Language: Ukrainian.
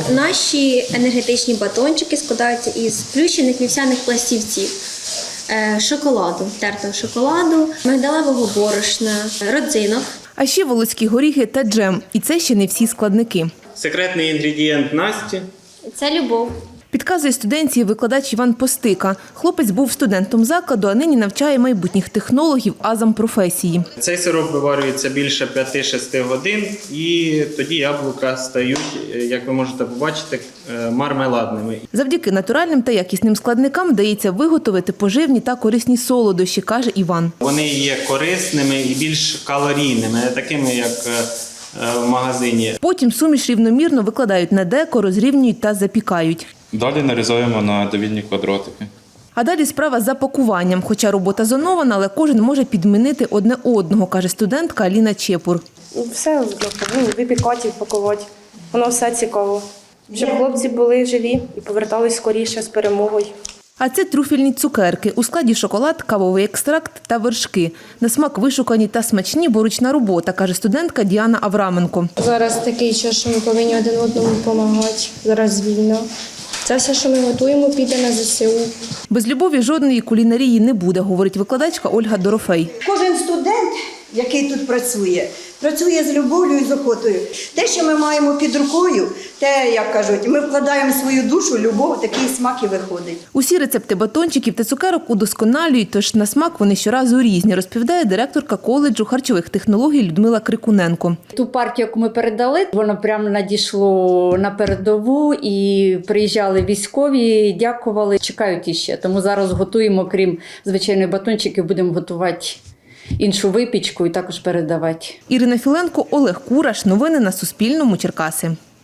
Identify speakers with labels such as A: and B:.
A: Наші енергетичні батончики складаються із плющених вівсяних пластівців, шоколаду, тертого шоколаду, мигдалевого борошна, родзинок.
B: А ще волоські горіхи та джем. І це ще не всі складники.
C: Секретний інгредієнт Насті.
A: Це любов.
B: Підказує студентці викладач Іван Постика. Хлопець був студентом закладу, а нині навчає майбутніх технологів азам професії.
C: Цей сироп виварюється більше 5-6 годин, і тоді яблука стають, як ви можете побачити, мармеладними.
B: Завдяки натуральним та якісним складникам вдається виготовити поживні та корисні солодощі, каже Іван.
C: Вони є корисними і більш калорійними, не такими, як в магазині.
B: Потім суміш рівномірно викладають на деко, розрівнюють та запікають.
D: Далі нарізаємо на довільні квадратики.
B: А далі справа за пакуванням. Хоча робота зонована, але кожен може підмінити одне одного, каже студентка Аліна Чепур.
E: Все випікати, пакувати. Воно все цікаво. Щоб хлопці були живі і повертались скоріше з перемогою.
B: А це трюфельні цукерки. У складі шоколад, кавовий екстракт та вершки. На смак вишукані та смачні, бо ручна робота, каже студентка Діана Авраменко.
F: Зараз такий час, що ми повинні один одному допомагати. Зараз війна. Це все, що ми готуємо, піде на ЗСУ.
B: Без любові жодної кулінарії не буде, говорить викладачка Ольга Дорофей.
G: Кожен студент, який тут працює з любов'ю і з охотою. Те, що ми маємо під рукою, те, як кажуть, ми вкладаємо свою душу, любов, такий смак і виходить.
B: Усі рецепти батончиків та цукерок удосконалюють, тож на смак вони щоразу різні, розповідає директорка коледжу харчових технологій Людмила Крикуненко.
H: Ту партію, яку ми передали, воно прямо надійшло на передову і приїжджали військові, дякували, чекають іще. Тому зараз готуємо, крім звичайних батончиків, будемо готувати іншу випічку і також передавати.
B: Ірина Філенко, Олег Кураш. Новини на Суспільному. Черкаси.